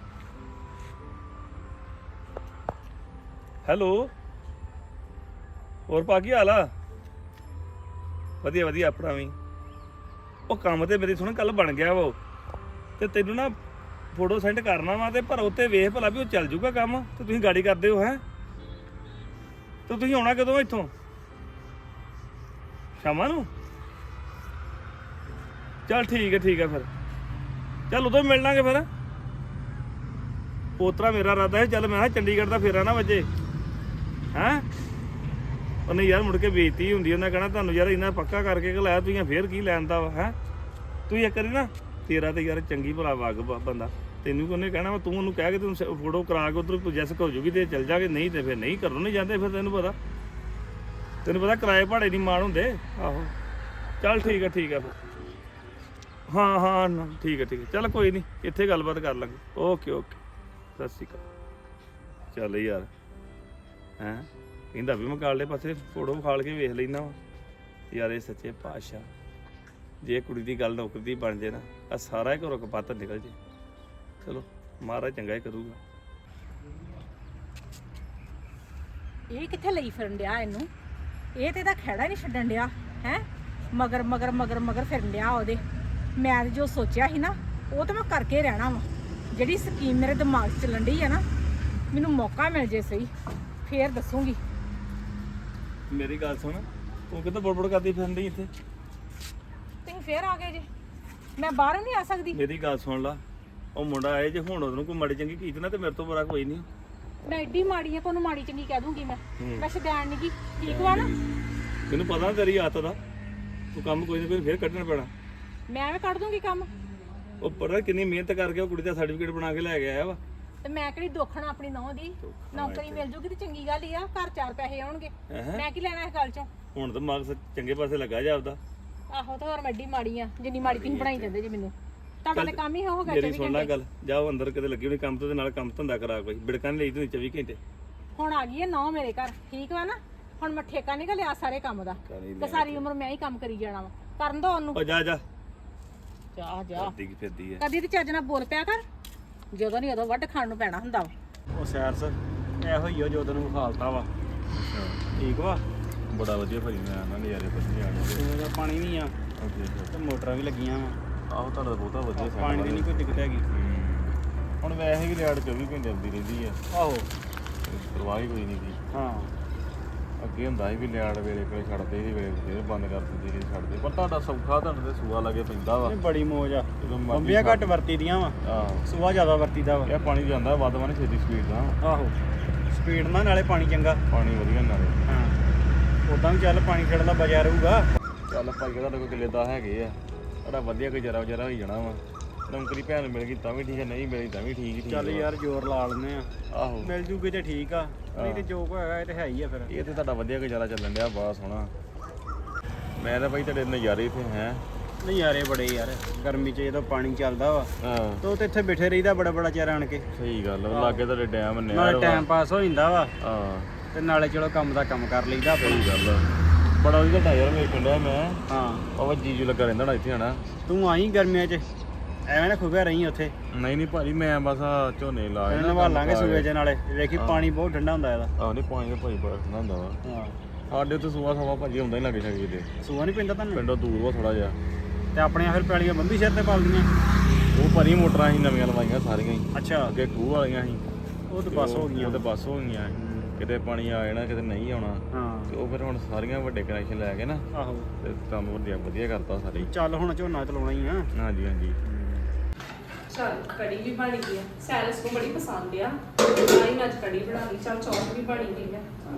Speaker 2: ਹੈਲੋ ਹੋਰ ਪਾ ਕੀ ਹਾਲ ਆ ਵਧੀਆ ਵਧੀਆ ਆਪਣਾ ਵੀ ਉਹ ਕੰਮ ਤੇ ਮੇਰੀ ਸੁਣ ਕੱਲ ਬਣ ਗਿਆ ਵਾ ਉਹ ਤੇ ਤੈਨੂੰ ਨਾ ਫੋਟੋ ਸੈਂਡ ਕਰਨਾ ਵਾ ਤੇ ਪਰ ਉੱਤੇ ਵੇਖ ਭਲਾ ਵੀ ਉਹ ਚੱਲ ਜੂਗਾ ਕੰਮ ਤੇ ਤੁਸੀਂ ਗਾੜੀ ਕਰਦੇ ਹੋ ਹੈ ਤੇ ਤੁਸੀਂ ਆਉਣਾ ਕਦੋਂ ਇੱਥੋਂ ਸ਼ਾਮਾਂ ਨੂੰ ਚੱਲ ਠੀਕ ਹੈ ਫਿਰ ਚੱਲ ਉਦੋਂ ਮਿਲ ਲਾਂਗੇ ਫਿਰ ਪੋਤਰਾ ਮੇਰਾ ਇਰਾਦਾ ਹੈ ਚੱਲ ਮੈਂ ਕਿਹਾ ਚੰਡੀਗੜ੍ਹ ਦਾ ਫੇਰਾ ਨਾ ਵੱਜੇ ਹੈਂ ਉਹਨੇ ਯਾਰ ਮੁੜ ਕੇ ਬੇਇੱਜ਼ਤੀ ਹੁੰਦੀ ਉਹਨਾਂ ਕਹਿਣਾ ਤੁਹਾਨੂੰ ਯਾਰ ਇੰਨਾ ਪੱਕਾ ਕਰਕੇ ਘਲਾਇਆ ਤੁਸੀਂ ਫੇਰ ਕੀ ਲੈਣ ਦਾ ਵਾ ਹੈ ਤੂੰ ਇੱਕ ਵਾਰੀ ਨਾ ਤੇਰਾ ਤੇ ਯਾਰ ਚੰਗੀ ਭਲਾ ਵਾਕਬ ਬੰਦਾ ਤੈਨੂੰ ਉਹਨੇ ਕਹਿਣਾ ਵਾ ਤੂੰ ਉਹਨੂੰ ਕਹਿ ਕੇ ਤੂੰ ਫੋਟੋ ਕਰਾ ਕੇ ਉਧਰ ਪ੍ਰੋਜੈਕਟ ਹੋ ਜੂਗੀ ਤੇ ਚੱਲ ਜਾਗੇ ਨਹੀਂ ਤੇ ਫਿਰ ਨਹੀਂ ਘਰੋਂ ਨਹੀਂ ਜਾਂਦੇ ਫਿਰ ਤੈਨੂੰ ਪਤਾ ਕਿਰਾਏ ਭਾੜੇ ਨਹੀਂ ਮਾਣ ਹੁੰਦੇ ਆਹੋ ਚੱਲ ਠੀਕ ਹੈ ਫਿਰ ਹਾਂ ਨਾ, ਠੀਕ ਹੈ ਚੱਲ ਕੋਈ ਨਹੀਂ ਇੱਥੇ ਗੱਲਬਾਤ ਕਰ ਲਾਂਗੇ ਓਕੇ ਸਤਿ ਸ਼੍ਰੀ ਅਕਾਲ ਚੱਲ ਯਾਰ ਹੈਂ ਕਹਿੰਦਾ ਵੀ ਮੈਂ ਕਾਲੇ ਪਾਸੇ ਫੋਟੋ ਵਿਖਾਲ ਕੇ ਵੇਖ ਲੈਣਾ ਵਾ ਯਾਰ ਇਹ ਸੱਚੇ ਪਾਤਸ਼ਾਹ ਜੇ ਕੁੜੀ ਦੀ ਗੱਲ ਨੌਕਰੀ ਦੀ ਬਣ ਜੇ ਨਾ ਆ ਸਾਰਾ ਹੀ ਘਰੋਂ ਕਪੱਤ ਨਿਕਲ ਜੇ ਚਲੋ ਮਹਾਰਾਜ ਚੰਗਾ ਹੀ ਕਰੂਗਾ
Speaker 3: ਇਹ ਕਿੱਥੇ ਲਈ ਫਿਰਨ ਡਿਆ ਇਹਨੂੰ ਇਹ ਤੇ ਇਹਦਾ ਖਹਿੜਾ ਨਹੀਂ ਛੱਡਣ ਡਿਆ ਹੈ ਮਗਰ ਫਿਰਨ ਡਿਆ ਉਹਦੇ ਮੈਂ ਜੋ ਸੋਚਿਆ ਸੀ ਨਾ ਉਹ ਤਾਂ ਮੈਂ ਕਰਕੇ ਰਹਿਣਾ ਵਾ ਜਿਹੜੀ ਸਕੀਮ ਮੇਰੇ ਦਿਮਾਗ 'ਚ ਚੱਲਣ ਡਈ ਆ ਨਾ ਮੈਨੂੰ ਮੌਕਾ ਮਿਲ ਜੇ ਸਹੀ ਫੇਰ ਦੱਸੂਗੀ
Speaker 2: ਮੇਰੀ ਗੱਲ ਸੁਣ ਤੂੰ ਕਿੱਦਾਂ ਬੜਬੜ ਕਰਦੀ ਫਿਰਦੀ ਇੱਥੇ?
Speaker 3: ਤੁਸੀਂ ਫੇਰ ਆ ਗਏ ਜੇ। ਮੈਂ ਬਾਹਰ ਨਹੀਂ ਆ ਸਕਦੀ।
Speaker 2: ਮੇਰੀ ਗੱਲ ਸੁਣ ਲਾ, ਉਹ ਮੁੰਡਾ ਆਏ ਜੇ ਹੁਣ ਉਹਨੂੰ ਕੋਈ ਮਾੜੀ ਚੰਗੀ ਕੀਤੀ ਨਾ ਤੇ ਮੇਰੇ ਤੋਂ ਬੁਰਾ ਕੋਈ ਨਹੀਂ।
Speaker 3: ਮੈਂ ਐਡੀ ਮਾੜੀ ਆ ਕਿ ਉਹਨੂੰ ਮਾੜੀ ਚੰਗੀ ਕਹਿ ਦੂੰਗੀ ਮੈਂ ਸ਼ਦੈਣ ਨਹੀਂ ਗੀ। ਠੀਕ ਵਾ ਨਾ?
Speaker 2: ਤੈਨੂੰ ਪਤਾ ਨਾ ਤੇਰੀ ਆਦਤ ਦਾ, ਤੂੰ ਕੰਮ ਕੋਈ ਨਾ ਕੋਈ ਫੇਰ ਕੱਢਣਾ ਪੈਣਾ।
Speaker 3: ਮੈਂ ਐਵੇਂ ਕੱਢ ਦੂੰਗੀ ਕੰਮ।
Speaker 2: ਉਹ ਪਤਾ ਕਿੰਨੀ ਮਿਹਨਤ ਕਰਕੇ ਉਹ ਕੁੜੀ ਦਾ ਸਰਟੀਫਿਕੇਟ ਬਣਾ ਕੇ ਲੈ ਕੇ ਆਇਆ ਵਾ।
Speaker 3: ਤੇ ਮੈਂ ਕਿਹੜੀ ਦੋਖਣਾ ਆਪਣੀ ਨੌਂ ਦੀ। ਨੌਕਰੀ ਮਿਲ ਜੂਗੀ ਤੇ ਚੰਗੀ ਗੱਲ ਹੀ ਆ, ਘਰ 4 ਪੈਸੇ ਆਉਣਗੇ। ਮੈਂ ਕੀ ਲੈਣਾ ਇਸ ਗੱਲ ਚੋਂ?
Speaker 2: ਹੁਣ ਤਾਂ ਮਕਸਦ ਚੰਗੇ ਪਾਸੇ ਲੱਗਾ ਜਾ ਆਪਦਾ।
Speaker 3: ਆਹੋ ਤੇ ਹੋਰ ਮੈਂ ਐਡੀ ਮਾੜੀ ਆ ਜਿੰਨੀ ਮਾੜੀ ਤੁਸੀਂ ਬਣਾਈ ਜਾਂਦੇ ਜੀ ਮੈਨੂੰ। ਤੁਹਾਡਾ ਤਾਂ ਕੰਮ ਹੀ ਹੋ ਗਿਆ।
Speaker 2: ਮੇਰੀ ਸੁਣ ਲੈ ਗੱਲ, ਜਾਓ ਅੰਦਰ ਕਿਤੇ ਲੱਗੀ ਹੋਣੀ ਕੰਮ ਤੋਂ ਤੇ ਨਾਲ ਕੰਮ ਧੰਦਾ ਕਰਾ ਕੋਈ ਬਿੜਕਾਂ ਲਈ ਤੂੰ 24 ਘੰਟੇ।
Speaker 3: ਹੁਣ ਆ ਗਈ ਹੈ ਨੌ ਮੇਰੇ ਘਰ। ਠੀਕ ਵਾ ਨਾ? ਹੁਣ ਮੈਂ ਠੇਕਾ ਨਹੀਂ ਲਿਆ ਸਾਰੇ ਕੰਮ ਦਾ ਤੇ ਸਾਰੀ ਉਮਰ ਮੈਂ ਹੀ ਕੰਮ ਕਰੀ ਜਾਣਾ ਵਾ। ਕਰਨ ਦੋ ਉਹਨੂੰ।
Speaker 2: ਉਹ ਜਾ ਜਾ
Speaker 3: ਜਾ ਜਾ।
Speaker 2: ਫਿਰਦੀ ਫਿਰਦੀ ਹੈ।
Speaker 3: ਕਦੀ ਤੇ ਚੱਜ ਨਾਲ ਬੋਲ ਪਿਆ ਕਰ। ਜਦੋਂ ਨਹੀਂ ਉਦੋਂ ਵੱਢ ਖਾਣ ਨੂੰ ਪੈਣਾ ਹੁੰਦਾ ਵਾ।
Speaker 5: ਉਹ ਸੈਰਸ ਇਹੋ ਹੀ ਜੋ ਤੈਨੂੰ ਵਿਖਾਲਤਾ ਵਾ। ਠੀਕ ਵਾ?
Speaker 1: ਬੜਾ ਵਧੀਆ ਭਾਈ, ਮੈਂ ਆਣਾ ਨਜ਼ਾਰੇ ਵਧੀਆ ਆਣੇ।
Speaker 5: ਸੂਏ ਦਾ ਪਾਣੀ ਵੀ ਆ
Speaker 1: ਓਕੇ
Speaker 5: ਤੇ ਮੋਟਰਾਂ ਵੀ ਲੱਗੀਆਂ ਵਾ।
Speaker 1: ਆਹੋ ਤੁਹਾਡਾ ਬਹੁਤਾ ਵਧੀਆ ਸੈੱਟ
Speaker 5: ਪਾਣੀ ਦੀ ਨਹੀਂ ਕੋਈ ਦਿੱਕਤ ਹੈਗੀ।
Speaker 1: ਹੁਣ ਵੈਸੇ ਵੀ ਲਿਆੜ 24 ਘੰਟੇ ਆਉਂਦੀ ਰਹਿੰਦੀ ਆ,
Speaker 5: ਆਹੋ
Speaker 1: ਪਰਵਾਹ ਹੀ ਕੋਈ ਨਹੀਂ ਸੀ।
Speaker 5: ਹਾਂ
Speaker 1: ਅੱਗੇ ਹੁੰਦਾ ਸੀ ਵੀ ਲਿਆੜ ਵੇਲੇ ਕੋਲੇ ਛੱਡਦੇ ਸੀ, ਵੇਲੇ ਫੇਰ ਬੰਦ ਕਰ ਦਿੰਦੇ ਸੀ ਛੱਡਦੇ। ਪਰ ਤੁਹਾਡਾ ਸੌਖਾ, ਤੁਹਾਨੂੰ ਤੇ ਸੂਆ ਲੱਗੇ ਪੈਂਦਾ ਵਾ।
Speaker 5: ਇਹ ਬੜੀ ਮੌਜ ਆ।
Speaker 1: ਜਦੋਂ ਮਰਜ਼ੀ
Speaker 5: ਬੰਬੀਆਂ ਘੱਟ ਵਰਤੀ ਦੀਆਂ ਵਾ,
Speaker 1: ਆਹੋ
Speaker 5: ਸੁਆ ਜ਼ਿਆਦਾ ਵਰਤੀਦਾ ਵਾ।
Speaker 1: ਇਹ ਪਾਣੀ ਜਾਂਦਾ ਵੱਧ ਵਾ ਨਾ ਛੇਤੀ ਸਪੀਡ ਨਾਲ।
Speaker 5: ਆਹੋ ਸਪੀਡ ਨਾਲ ਨਾਲੇ ਪਾਣੀ ਚੰਗਾ।
Speaker 1: ਪਾਣੀ ਵਧੀਆ ਨਾਲੇ।
Speaker 5: ਹਾਂ ਉਦਾਂ ਵੀ ਚੱਲ ਪਾਣੀ ਖੇਡਣ ਦਾ ਬਚਿਆ ਰਹੂਗਾ।
Speaker 1: ਚੱਲ ਭਾਈ ਤੁਹਾਡੇ ਕੋਲ ਕਿੱਲੇ 10 ਹੈਗੇ ਆ, ਤੁਹਾਡਾ ਵਧੀਆ ਗੁਜ਼ਾਰਾ ਵਜਾਰਾ ਹੋਈ ਜਾਣਾ ਵਾ। ਨੌਕਰੀ ਭੈਣ ਮਿਲ ਗਈ ਤਾਂ ਵੀ ਠੀਕ ਹੈ, ਨਹੀਂ ਮਿਲੀ ਤਾਂ ਵੀ ਠੀਕ
Speaker 5: ਚੱਲ ਯਾਰ ਜ਼ੋਰ ਲਾ ਲੈਂਦੇ ਆ,
Speaker 1: ਆਹੋ
Speaker 5: ਮਿਲ ਜੂਗੀ ਤੇ ਠੀਕ ਆ, ਨਹੀਂ ਤੇ ਜੋ ਕੋ ਹੈਗਾ ਇਹ ਤੇ ਹੈ ਹੀ ਆ ਫਿਰ।
Speaker 1: ਇਹ ਤੇ ਤੁਹਾਡਾ ਵਧੀਆ ਗੁਜ਼ਾਰਾ ਚੱਲਣ ਡਿਆ, ਬੜਾ ਸੋਹਣਾ। ਮੈਂ ਤਾਂ ਭਾਈ ਤੁਹਾਡੇ ਨਜ਼ਾਰੇ ਇੱਥੇ ਹੈ।
Speaker 5: ਨਜ਼ਾਰੇ ਬੜੇ ਯਾਰ, ਗਰਮੀ 'ਚ ਜਦੋਂ ਪਾਣੀ ਚੱਲਦਾ ਵਾ
Speaker 1: ਹਾਂ
Speaker 5: ਤੇ ਉਹ ਤੇ ਇੱਥੇ ਬੈਠੇ ਰਹੀਦਾ ਬੜਾ ਬੜਾ ਚਿਰ ਆਣ ਕੇ।
Speaker 1: ਸਹੀ ਗੱਲ ਆ, ਲਾਗੇ ਤੁਹਾਡੇ ਡੈਮ ਨੇ
Speaker 5: ਨਾਲੇ ਟਾਈਮ ਪਾਸ ਹੋ ਜਾਂਦਾ ਵਾ
Speaker 1: ਹਾਂ
Speaker 5: ਤੇ ਨਾਲੇ ਚਲੋ ਕੰਮ ਦਾ ਕੰਮ ਕਰ ਲਈਦਾ।
Speaker 1: ਸਹੀ ਗੱਲ ਆ, ਬੜਾ ਵਧੀਆ ਟਾਇਰ ਵੇਖਣ ਡਿਆ ਮੈਂ।
Speaker 5: ਹਾਂ
Speaker 1: ਬਾਬਾ ਜੀਜੂ ਲੱਗਾ ਰਹਿੰਦਾ ਨਾ ਇੱਥੇ ਹਨਾ।
Speaker 5: ਤੂੰ ਆਈ ਗਰਮੀਆਂ 'ਚ ਐਵੇਂ ਨਾ ਖੁਬਿਆ ਰਹੀ ਉੱਥੇ।
Speaker 1: ਨਹੀਂ ਨਹੀਂ ਭਾਜੀ, ਮੈਂ ਬਸ ਆਹ ਝੋਨੇ ਲਾਏ
Speaker 5: ਇਹਨਾਂ ਨਵਾਲਾਂਗੇ ਸੂਏ 'ਚ, ਨਾਲੇ ਵੇਖੀ ਪਾਣੀ ਬਹੁਤ ਠੰਡਾ ਹੁੰਦਾ ਇਹਦਾ।
Speaker 1: ਆਹ ਨਹੀਂ ਪਾਣੀ ਦਾ ਭਾਈ ਬੜਾ ਠੰਡਾ ਹੁੰਦਾ ਵਾ।
Speaker 5: ਹਾਂ
Speaker 1: ਸਾਡੇ ਉੱਥੇ ਸੂਆ ਸਵਾ ਭਾਜੀ ਹੁੰਦਾ ਹੀ ਲੱਗੇ ਛਾਗੇ ਤੇ।
Speaker 5: ਸੂਆ ਨਹੀਂ ਪੈਂਦਾ ਤੁਹਾਨੂੰ?
Speaker 1: ਪਿੰਡੋਂ ਦੂਰ ਵਾ ਥੋੜਾ ਜਿਹਾ।
Speaker 5: ਤੇ ਆਪਣੀਆਂ ਫਿਰ ਪੈਲੀਆਂ ਬੰਬੀ ਸਿਰ ਤੇ ਪਾਲਦੀਆਂ।
Speaker 1: ਉਹ ਭਰੀ ਮੋਟਰਾਂ ਅਸੀਂ ਨਵੀਆਂ ਲਵਾਈਆਂ ਸਾਰੀਆਂ ਹੀ।
Speaker 5: ਅੱਛਾ
Speaker 1: ਅੱਗੇ ਖੂਹ ਵਾਲੀਆਂ ਸੀ,
Speaker 5: ਉਹ ਤਾਂ ਬਸ ਹੋ ਗਈਆਂ।
Speaker 1: ਉਹ ਤੇ ਬੱਸ ਹੋ ਗਈਆਂ। ਕਿਤੇ ਪਾਣੀ ਆ ਜਾਣਾ, ਕਿਤੇ ਨਹੀਂ ਆਉਣਾ।
Speaker 5: ਹਾਂ
Speaker 1: ਤੇ ਉਹ ਫਿਰ ਹੁਣ ਸਾਰੀਆਂ ਵੱਡੇ ਕਨੈਕਸ਼ਨ ਲੈ ਕੇ ਨਾ
Speaker 5: ਆਹੋ
Speaker 1: ਤੇ ਕੰਮ ਵਧੀਆ ਕਰਤਾ ਸਾਰੇ।
Speaker 5: ਚੱਲ ਹੁਣ ਝੋਨਾ ਤੇ ਲਾਉਣਾ ਹੀ ਆ।
Speaker 1: ਹਾਂਜੀ ਹਾਂਜੀ
Speaker 4: ਚਲ ਕੜੀ ਵੀ ਬਣ ਗਈ ਆ। ਸੈਰਸ ਨੂੰ ਬੜੀ ਪਸੰਦ ਆ, ਆਈ ਮੈਂ ਅੱਜ ਕੜੀ ਬਣਾ ਲਈ। ਚਲ ਚੌਲ ਵੀ ਬਣੀ ਗਈ ਆ।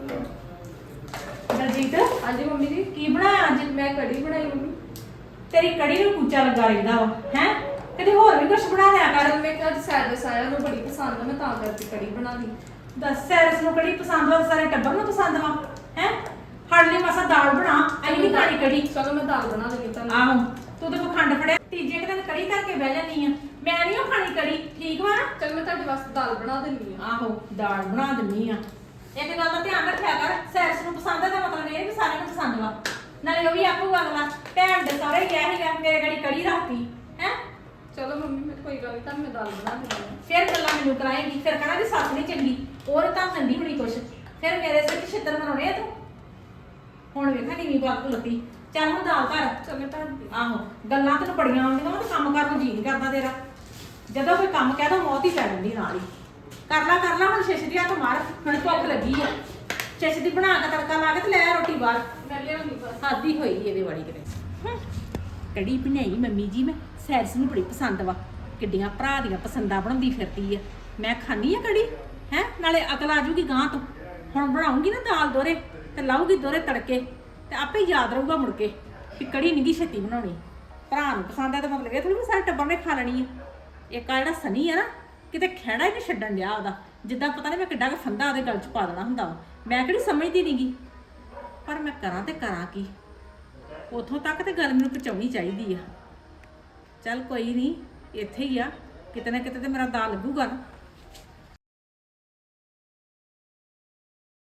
Speaker 3: ਦਲਜੀਤ
Speaker 4: ਹਾਂਜੀ ਮੰਮੀ ਜੀ,
Speaker 3: ਕੀ ਬਣਾਇਆ ਅੱਜ?
Speaker 4: ਮੈਂ ਕੜੀ ਬਣਾਈ ਮੰਮੀ।
Speaker 3: ਤੇਰੀ ਕੜੀ ਨੂੰ ਕੁੱਚਾ ਲੱਗਾ ਰਹਿੰਦਾ ਵਾ ਹੈ। ਕਿਤੇ ਹੋਰ ਵੀ ਕੁਝ ਬਣਾ ਲਿਆ ਕਰ।
Speaker 4: ਮੈਂ ਕਿਹਾ ਅੱਜ ਸੈਰਸ ਆਇਆ, ਉਹਨੂੰ ਬੜੀ ਪਸੰਦ ਆ, ਮੈਂ ਤਾਂ ਕਰਕੇ ਕੜੀ ਬਣਾ ਲਈ।
Speaker 3: ਦੱਸ ਸੈਰਸ ਨੂੰ ਕੜੀ ਪਸੰਦ ਵਾ, ਸਾਰੇ ਟੱਬਰ ਨੂੰ ਪਸੰਦ ਵਾ ਹੈ। ਹੜ ਲਈ ਮਸਾ ਦਾਲ ਬਣਾ, ਅਸੀਂ ਨਹੀਂ ਖਾਣੀ ਕੜੀ।
Speaker 4: ਚਲੋ ਮੈਂ ਦਾਲ ਬਣਾ ਲਈ ਤੁਹਾਨੂੰ।
Speaker 3: ਆਹੋ ਤੂੰ ਤਾਂ ਪਖੰਡ ਫੜਿਆ, ਤੀਜੇ ਕੁ ਦਿਨ ਕੜੀ ਕਰਕੇ ਬਹਿ ਜਾਂਦੀ ਆ। ਮੈਂ ਨਹੀਂ ਉਹ ਖਾਣੀ ਕੜੀ, ਠੀਕ ਵਾ ਨਾ?
Speaker 4: ਚਲ ਮੈਂ ਤੁਹਾਡੇ ਵਾਸਤੇ ਦਾਲ ਬਣਾ ਦਿੰਦੀ ਆ।
Speaker 3: ਆਹੋ ਦਾਲ ਬਣਾ ਦਿੰਨੀ ਆ। ਇੱਕ ਗੱਲ ਦਾ ਧਿਆਨ ਰੱਖਿਆ ਕਰ, ਸੈਰਸ ਨੂੰ ਪਸੰਦ ਆ ਤਾਂ ਮਤਲਬ ਇਹ ਵੀ ਸਾਰਿਆਂ ਨੂੰ ਪਸੰਦ ਵਾ। ਨਾਲੇ ਉਹ ਵੀ ਆਖੂਗਾ ਅਗਲਾ ਭੈਣ ਦੇ ਸਹੁਰੇ ਗਿਆ ਸੀਗਾ, ਮੇਰੇ ਗੜੀ ਕੜੀ ਰੱਖਤੀ ਹੈ।
Speaker 4: ਚਲੋ ਮੰਮੀ ਮੈਂ ਕੋਈ ਗੱਲ ਨਹੀਂ, ਤੁਹਾਨੂੰ ਮੈਂ ਦਾਲ ਬਣਾ ਦਿੰਦੀ ਆ।
Speaker 3: ਫਿਰ ਗੱਲਾਂ ਮੈਨੂੰ ਕਰਾਏਗੀ, ਫਿਰ ਕਹਣਾ ਦੀ ਸੱਸ ਨਹੀਂ ਚੰਗੀ, ਹੋਰ ਤਾਂ ਚੰਗੀ ਹੋਣੀ ਕੁਛ। ਫਿਰ ਮੇਰੇ ਸਿਰ 'ਚ ਛਿੱਤਰ ਮਰਾਉਣੇ ਆ ਤੂੰ। ਹੁਣ ਵੇਖਾਂ ਨੀਵੀਂ ਬਾਤ ਲੱਤੀ। ਚੱਲ ਹੁਣ ਦਾਲ ਧਰ।
Speaker 4: ਚਲ ਮੈਂ ਧਰ ਦਿੰਦੀ।
Speaker 3: ਆਹੋ ਗੱਲਾਂ ਤੈਨੂੰ ਬੜੀਆਂ ਆਉਂਦੀਆਂ ਵਾ ਤੇ ਕੰਮ ਕਰਨ ਨੂੰ ਜੀ ਨਹੀਂ ਕਰਦਾ ਤੇਰਾ। ਜਦੋਂ ਕੋਈ ਕੰਮ ਕਹਿ ਦੋ ਮੌਤ ਹੀ ਪੈ ਜਾਂਦੀ ਨਾਲ ਹੀ। ਕਰ ਲਾ ਹੁਣ ਛੇਛਦੀ ਹੱਥ ਮਾਰ, ਹੁਣ ਭੁੱਖ ਲੱਗੀ ਆ। ਛੇਛਦੀ ਬਣਾ ਕੇ ਤੜਕਾ ਲਾ ਕੇ ਤੇ ਲੈ ਆ ਰੋਟੀ ਬਾਹਰ।
Speaker 4: ਮੈਂ ਲਿਆਉਣੀ ਬਸ।
Speaker 3: ਆਦੀ ਹੋਈ ਇਹਦੇ ਵਾਲੀ ਕਿਤੇ। ਕੜੀ ਬਣਾਈ ਮੰਮੀ ਜੀ ਮੈਂ, ਸੈਰਸ ਨੂੰ ਬੜੀ ਪਸੰਦ ਵਾ। ਕਿੱਡੀਆਂ ਭਰਾ ਦੀਆਂ ਪਸੰਦਾਂ ਬਣਾਉਂਦੀ ਫਿਰਦੀ ਆ। ਮੈਂ ਖਾਣੀ ਆ ਕੜੀ ਹੈ, ਨਾਲੇ ਅਕਲ ਆ ਜੂਗੀ ਗਾਂ ਤੋਂ। ਹੁਣ ਬਣਾਉਂਗੀ ਨਾ ਦਾਲ ਦੋਰੇ ਤੇ ਲਾਊਗੀ ਦੋਰੇ ਤੜਕੇ ਤੇ ਆਪੇ ਯਾਦ ਰਹੂਗਾ ਮੁੜ ਕੇ ਕਿ ਕੜੀ ਨਹੀਂ ਗੀ ਛੇਤੀ ਬਣਾਉਣੀ। ਭਰਾ ਨੂੰ ਪਸੰਦ ਆ ਤਾਂ ਮਤਲਬ ਇਹ ਥੋੜੀ ਵੀ ਸਾਰੇ ਟੱਬਰ ਨੇ ਖਾ ਲੈਣੀ ਆ। ਇੱਕ ਆ ਜਿਹੜਾ ਸਨੀ ਆ ਨਾ, ਕਿਤੇ ਖਹਿੜਾ ਹੀ ਨਹੀਂ ਛੱਡਣ ਡਿਆ ਉਹਦਾ। ਜਿੱਦਾਂ ਪਤਾ ਨਹੀਂ ਮੈਂ ਕਿੱਡਾ ਕੁ ਫੰਦਾ ਉਹਦੇ ਗਲ 'ਚ ਪਾ ਦੇਣਾ ਹੁੰਦਾ ਵਾ। ਮੈਂ ਕਿਹੜੀ ਸਮਝਦੀ ਨਹੀਂਗੀ, ਪਰ ਮੈਂ ਕਰਾਂ ਤੇ ਕਰਾਂ ਕੀ। ਉੱਥੋਂ ਤੱਕ ਤੇ ਗੱਲ ਮੈਨੂੰ ਪਹੁੰਚਾਉਣੀ ਚਾਹੀਦੀ ਆ। ਚੱਲ ਕੋਈ ਨਹੀਂ, ਇੱਥੇ ਹੀ ਆ, ਕਿਤੇ ਨਾ ਕਿਤੇ ਤੇ ਮੇਰਾ ਦਾ ਲੱਗੂਗਾ ਨਾ।